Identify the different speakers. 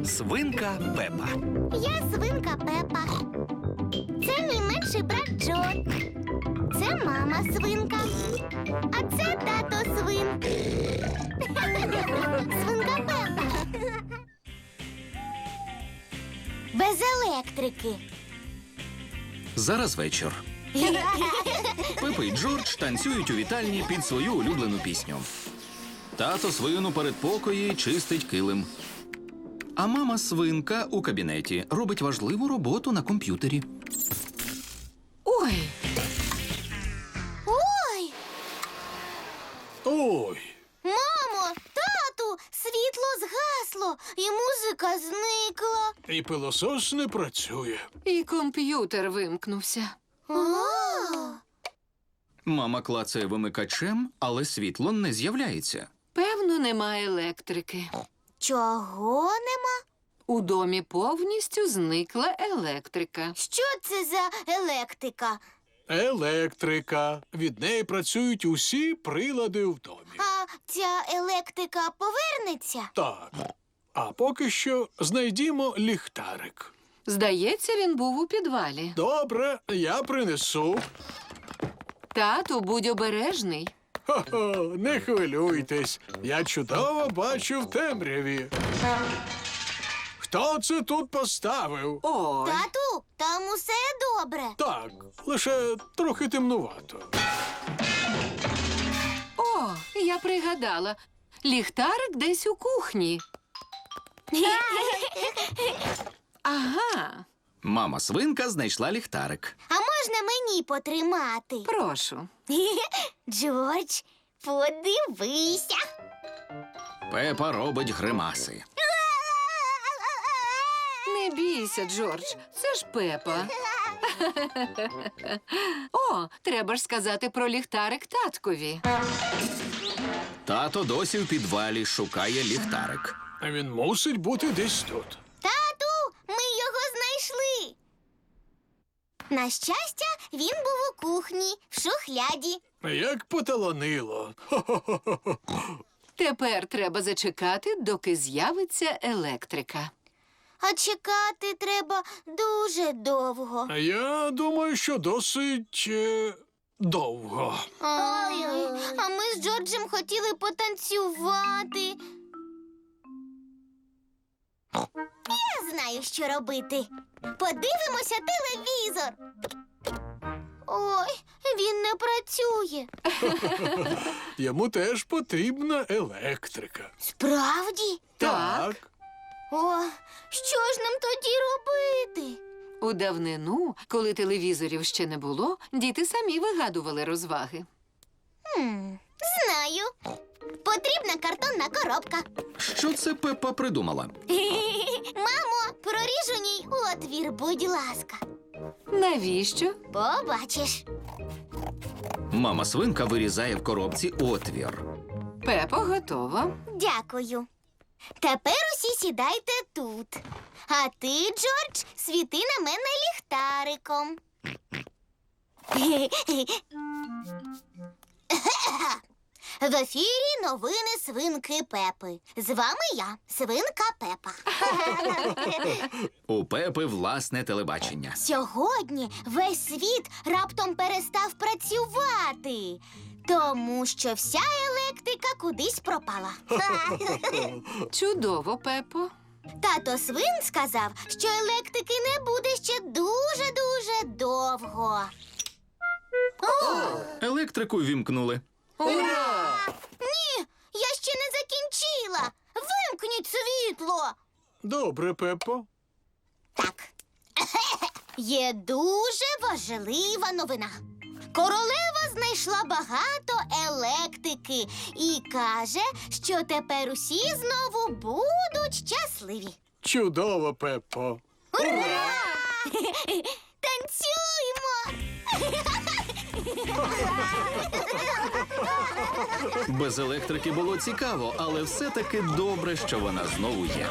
Speaker 1: Свинка Пепа.
Speaker 2: Я свинка Пепа. Це мій менший брат Джо. Це мама свинка. А це тато свин. Свинка Пепа. Без електрики.
Speaker 1: Зараз вечір. Пепа і Джордж танцюють у вітальні під свою улюблену пісню. Тато свин у передпокої чистить килим. А мама свинка у кабінеті робить важливу роботу на комп'ютері.
Speaker 3: Ой,
Speaker 2: Ой!
Speaker 4: Ой,
Speaker 2: Мамо, тату, світло згасло і музика зникла.
Speaker 4: і пилосос не працює.
Speaker 3: і комп'ютер вимкнувся.
Speaker 1: Мама клацає вимикачем, але світло не з'являється.
Speaker 3: Певно, немає електрики.
Speaker 2: Чого нема?
Speaker 3: У домі повністю зникла електрика.
Speaker 2: Що це за електрика?
Speaker 4: Електрика. Від неї працюють усі прилади в домі.
Speaker 2: А ця електрика повернеться?
Speaker 4: Так. А поки що знайдімо ліхтарик.
Speaker 3: Здається, він був у підвалі.
Speaker 4: Добре, я принесу.
Speaker 3: Тату, будь обережний.
Speaker 4: Хо-хо, не хвилюйтесь. Я чудово бачу в темряві. Хто це тут поставив?
Speaker 3: Ой,
Speaker 2: Тату, там усе добре.
Speaker 4: Так, лише трохи темнувато.
Speaker 3: о, я пригадала. Ліхтарик десь у кухні. Ага,
Speaker 1: Мама свинка знайшла ліхтарик.
Speaker 2: А можна мені потримати?
Speaker 3: прошу.
Speaker 2: Джордж, подивися.
Speaker 1: Пепа робить гримаси.
Speaker 3: Не бійся, Джордж, це ж Пепа. О, треба ж сказати про ліхтарик таткові.
Speaker 1: Тато досі в підвалі шукає ліхтарик.
Speaker 4: А він мусить бути десь тут.
Speaker 2: Тату, ми його знайшли. На щастя, він був у кухні, в шухляді.
Speaker 4: Як поталанило. Хо-хо-хо-хо.
Speaker 3: Тепер треба зачекати, доки з'явиться електрика.
Speaker 2: А чекати треба дуже довго.
Speaker 4: А я думаю, що досить довго.
Speaker 2: Ой, а ми з Джорджем хотіли потанцювати. Я знаю, що робити. Подивимося телевізор. Ой, він не працює.
Speaker 4: Йому теж потрібна електрика.
Speaker 2: Справді?
Speaker 3: Так.
Speaker 2: О, що ж нам тоді робити?
Speaker 3: У давнину, коли телевізорів ще не було, діти самі вигадували розваги.
Speaker 2: Знаю. Потрібна картонна коробка.
Speaker 1: Що це Пепа придумала?
Speaker 2: Мамо, проріж у ній отвір, будь ласка.
Speaker 3: Навіщо?
Speaker 2: Побачиш.
Speaker 1: Мама свинка вирізає в коробці отвір.
Speaker 3: Пепо готова.
Speaker 2: Дякую. Тепер усі сідайте тут. А ти, Джордж, світи на мене ліхтариком. В ефірі новини свинки Пепи. З вами я, свинка Пепа.
Speaker 1: У Пепи власне телебачення.
Speaker 2: Сьогодні весь світ раптом перестав працювати, тому що вся електрика кудись пропала.
Speaker 3: Чудово, Пепо.
Speaker 2: Тато свин сказав, що електрики не буде ще дуже-дуже довго.
Speaker 1: Електрику вімкнули.
Speaker 3: Ура!
Speaker 2: Ні, я ще не закінчила. Вимкніть світло.
Speaker 4: Добре, Пепо.
Speaker 2: Так. Є дуже важлива новина. Королева знайшла багато електрики і каже, що тепер усі знову будуть щасливі.
Speaker 4: Чудово, Пепо.
Speaker 2: Ура! Танцюймо!
Speaker 1: Без електрики було цікаво, але все-таки добре, що вона знову є.